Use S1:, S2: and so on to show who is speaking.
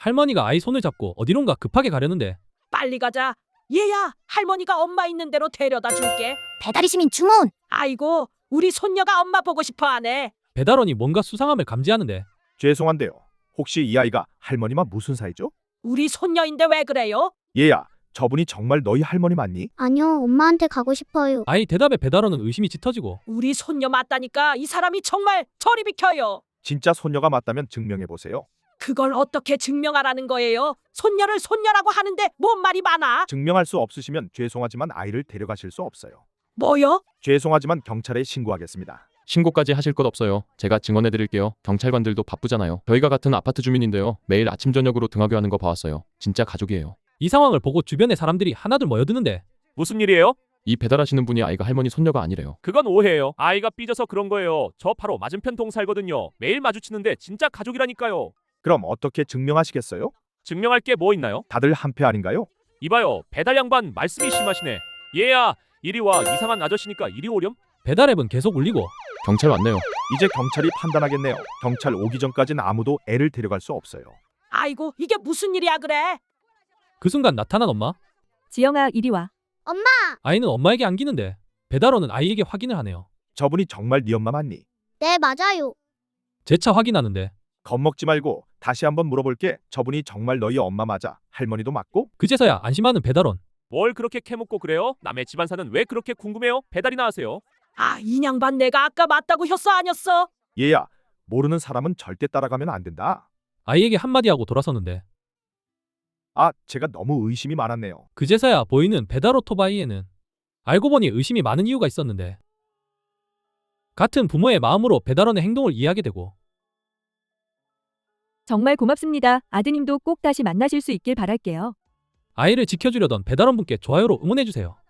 S1: 할머니가 아이 손을 잡고 어디론가 급하게 가려는데
S2: 빨리 가자. 얘야, 할머니가 엄마 있는 대로 데려다 줄게.
S3: 배달의 시민 주문.
S2: 아이고, 우리 손녀가 엄마 보고 싶어 하네.
S1: 배달원이 뭔가 수상함을 감지하는데
S4: 죄송한데요. 혹시 이 아이가 할머니와 무슨 사이죠?
S2: 우리 손녀인데 왜 그래요?
S4: 얘야, 저분이 정말 너희 할머니 맞니?
S3: 아니요, 엄마한테 가고 싶어요.
S1: 아이 대답에 배달원은 의심이 짙어지고
S2: 우리 손녀 맞다니까 이 사람이 정말 저리 비켜요.
S4: 진짜 손녀가 맞다면 증명해 보세요.
S2: 그걸 어떻게 증명하라는 거예요? 손녀를 손녀라고 하는데 뭔 말이 많아?
S4: 증명할 수 없으시면 죄송하지만 아이를 데려가실 수 없어요.
S2: 뭐요?
S4: 죄송하지만 경찰에 신고하겠습니다.
S5: 신고까지 하실 것 없어요. 제가 증언해 드릴게요. 경찰관들도 바쁘잖아요. 저희가 같은 아파트 주민인데요. 매일 아침 저녁으로 등하교 하는 거 봐왔어요. 진짜 가족이에요.
S1: 이 상황을 보고 주변의 사람들이 하나둘 모여드는데
S6: 무슨 일이에요?
S5: 이 배달하시는 분이 아이가 할머니 손녀가 아니래요.
S6: 그건 오해예요. 아이가 삐져서 그런 거예요. 저 바로 맞은편 동 살거든요. 매일 마주치는데 진짜 가족이라니까요.
S4: 그럼 어떻게 증명하시겠어요?
S6: 증명할 게 뭐 있나요?
S4: 다들 한패 아닌가요?
S6: 이봐요. 배달 양반 말씀이 심하시네. 얘야, 이리 와. 이상한 아저씨니까 이리 오렴.
S1: 배달앱은 계속 울리고
S5: 경찰 왔네요.
S4: 이제 경찰이 판단하겠네요. 경찰 오기 전까진 아무도 애를 데려갈 수 없어요.
S2: 아이고, 이게 무슨 일이야 그래?
S1: 그 순간 나타난 엄마.
S7: 지영아, 이리 와.
S1: 아이는 엄마에게 안기는데 배달원은 아이에게 확인을 하네요.
S4: 저분이 정말 네 엄마 맞니?
S3: 네, 맞아요.
S1: 재차 확인하는데
S4: 겁먹지 말고 다시 한번 물어볼게. 저분이 정말 너희 엄마 맞아? 할머니도 맞고?
S1: 그제서야 안심하는 배달원.
S6: 뭘 그렇게 캐묻고 그래요? 남의 집안사는 왜 그렇게 궁금해요? 배달이나 하세요.
S2: 아, 이 양반 내가 아까 맞다고 했어 아니었어?
S4: 얘야, 모르는 사람은 절대 따라가면 안 된다.
S1: 아이에게 한마디 하고 돌아서는데
S4: 아, 제가 너무 의심이 많았네요.
S1: 그제서야 보이는 배달 오토바이에는 알고 보니 의심이 많은 이유가 있었는데 같은 부모의 마음으로 배달원의 행동을 이해하게 되고
S7: 정말 고맙습니다. 아드님도 꼭 다시 만나실 수 있길 바랄게요.
S1: 아이를 지켜주려던 배달원분께 좋아요로 응원해주세요.